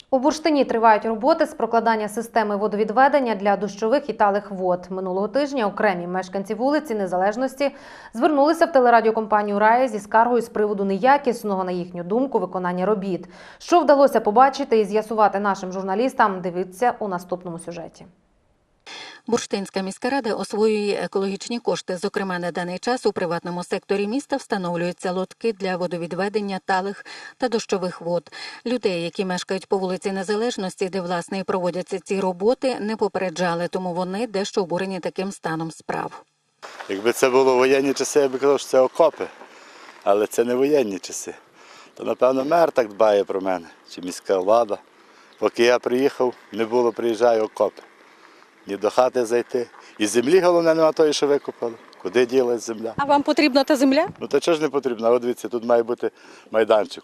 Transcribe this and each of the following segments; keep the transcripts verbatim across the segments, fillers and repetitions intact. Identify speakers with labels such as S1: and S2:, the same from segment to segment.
S1: У Бурштині тривають роботи з прокладання системи водовідведення для дощових і талих вод. Минулого тижня окремі мешканці вулиці Незалежності звернулися в телерадіокомпанію «Рая» зі скаргою з приводу неякісного, на їхню думку, виконання робіт. Що вдалося побачити і з'ясувати нашим журналістам, дивіться у наступному сюжеті.
S2: Бурштинська міська рада освоює екологічні кошти. Зокрема, на даний час у приватному секторі міста встановлюються лотки для водовідведення талих та дощових вод. Людей, які мешкають по вулиці Незалежності, де, власне, і проводяться ці роботи, не попереджали, тому вони дещо обурені таким станом справ.
S3: Якби це було воєнні часи, я б казав, що це окопи, але це не воєнні часи. То, напевно, мер так дбає про мене, чи міська влада. Поки я приїхав, не було, приїжджаю окопи. Ні до хати зайти. І землі, головне, нема тої, що викопали. Куди ділась земля?
S4: А вам потрібна та земля?
S3: Ну, то чого ж не потрібно? От дивіться, тут має бути майданчик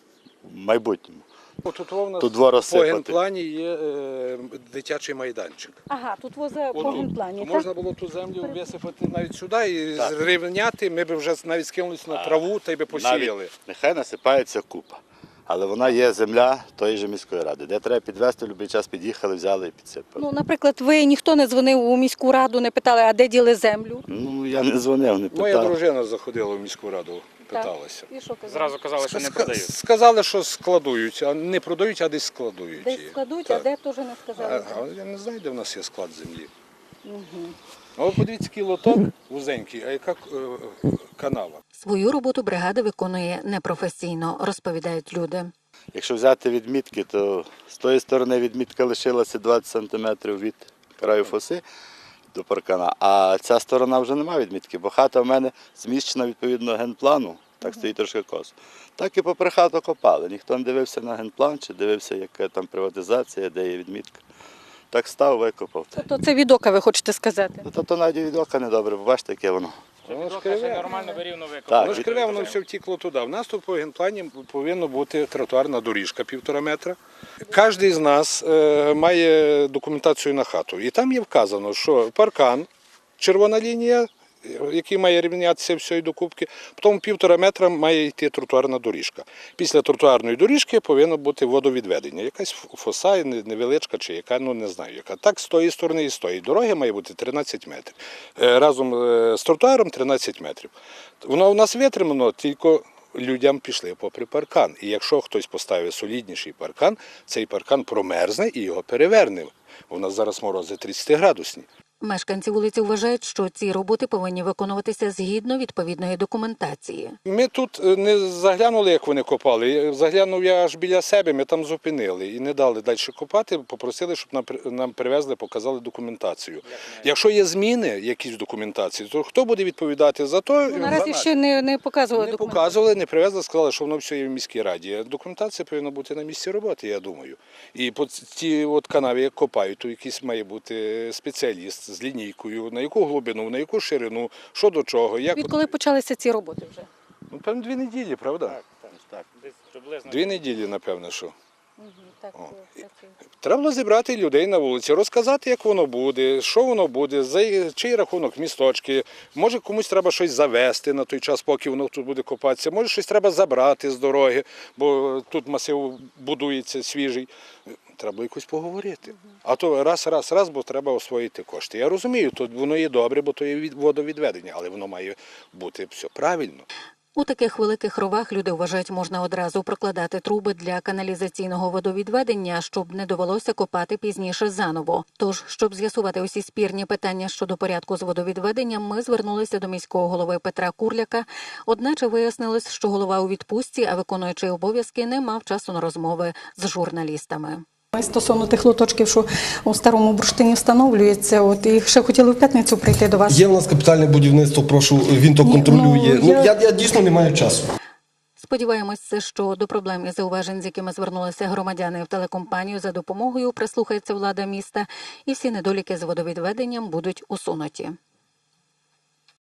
S3: в майбутньому.
S5: Тут у нас
S3: Тут двор
S5: по
S3: розсипати.
S5: генплані є е, дитячий майданчик.
S4: Ага, тут воза по
S5: Отут.
S4: генплані,
S5: То
S4: так?
S5: можна було ту землю висипати навіть сюди і
S3: Так.
S5: зрівняти, ми б вже навіть скинулися на траву та й би посіяли.
S3: Навіть нехай насипається купа. Але вона є земля тої ж міської ради, де треба підвезти, в будь-який час під'їхали, взяли і підсипали.
S4: Ну, наприклад, ви ніхто не дзвонив у міську раду, не питали, а де діли землю?
S3: Ну, я не дзвонив, не
S5: Моя
S3: питав.
S5: дружина заходила в міську раду, питалася.
S4: І що казали?
S6: Зразу казали, що не
S5: Ска-
S6: продають.
S5: Сказали, що складують, а не продають, а десь складують.
S4: Десь
S5: її.
S4: складуть,
S5: Так.
S4: а де теж не сказали.
S5: А, а я не знаю, де в нас є склад землі. Угу. А от подивіться, який лоток вузенький, а яка е, канава.
S2: Свою роботу бригада виконує непрофесійно, розповідають люди.
S3: Якщо взяти відмітки, то з тої сторони відмітка лишилася двадцять сантиметрів від краю фоси до паркана, а ця сторона вже немає відмітки, бо хата в мене зміщена відповідно генплану, так стоїть трошки косо. Так і попри хату копали. Ніхто не дивився на генплан, чи дивився, яка там приватизація, де є відмітка. Так став, викопав.
S4: Тобто це від ока, ви хочете сказати?
S3: Ну, то, то навіть від ока недобре, бачите, яке воно.
S5: Воно ж
S6: Ще
S5: криве.
S6: нормально вирівно
S3: Так.
S6: викопали.
S5: Воно ж криве, воно все втікло туди. У нас тут по генплані повинна бути тротуарна доріжка півтора метра. Кожен з нас е, має документацію на хату. І там є вказано, що паркан, червона лінія, який має рівнятися всієї докупки, потім півтора метра має йти тротуарна доріжка. Після тротуарної доріжки повинно бути водовідведення. Якась фоса невеличка чи яка, ну не знаю яка. Так з тої сторони і з тої. Дороги має бути тринадцять метрів. Е, Разом з тротуаром тринадцять метрів. Воно у нас витримано, тільки людям пішли попри паркан. І якщо хтось поставить солідніший паркан, цей паркан промерзне і його переверне. У нас зараз морози тридцятиградусні.
S2: Мешканці вулиці вважають, що ці роботи повинні виконуватися згідно відповідної документації.
S5: Ми тут не заглянули, як вони копали. Заглянув я аж біля себе, ми там зупинили і не дали далі копати, попросили, щоб нам, нам привезли, показали документацію. Якщо є зміни якісь в документації, то хто буде відповідати за то?
S4: Ну, наразі ще не, не показували
S5: Не
S4: документи.
S5: показували, не привезли, сказали, що воно все є в міській раді. Документація повинна бути на місці роботи, я думаю. І по ці от канаві, як копають, то якийсь має бути спеціаліст з лінійкою, на яку глибину, на яку ширину, що до чого. Як...
S4: Відколи почалися ці роботи вже?
S5: Ну, певно, дві неділі, правда?
S3: Так, так.
S6: Десь приблизно.
S5: Дві неділі, напевно, що.
S4: Угу, так,
S5: О.
S4: це, це, це.
S5: Треба було зібрати людей на вулиці, розказати, як воно буде, що воно буде, за чий рахунок місточки. Може, комусь треба щось завести на той час, поки воно тут буде копатися. Може, щось треба забрати з дороги, бо тут масив будується свіжий. Треба якось поговорити. А то раз, раз, раз, бо треба освоїти кошти. Я розумію, то воно є добре, бо то є від- водовідведення, але воно має бути все правильно.
S2: У таких великих ровах, люди вважають, можна одразу прокладати труби для каналізаційного водовідведення, щоб не довелося копати пізніше заново. Тож, щоб з'ясувати усі спірні питання щодо порядку з водовідведенням, ми звернулися до міського голови Петра Курляка. Одначе вияснилось, що голова у відпустці, а виконуючий обов'язки не мав часу на розмови з журналістами.
S4: Стосовно тих лоточків, що у Старому Бурштині встановлюється, от і ще хотіли в п'ятницю прийти до вас.
S7: Є в нас капітальне будівництво, прошу, він то
S4: Ні,
S7: контролює.
S4: ну,
S7: Ну,
S4: я-
S7: я, я дійсно не маю часу.
S2: Сподіваємося, що до проблем і зауважень, з якими звернулися громадяни в телекомпанію за допомогою, прислухається влада міста, і всі недоліки з водовідведенням будуть усунуті.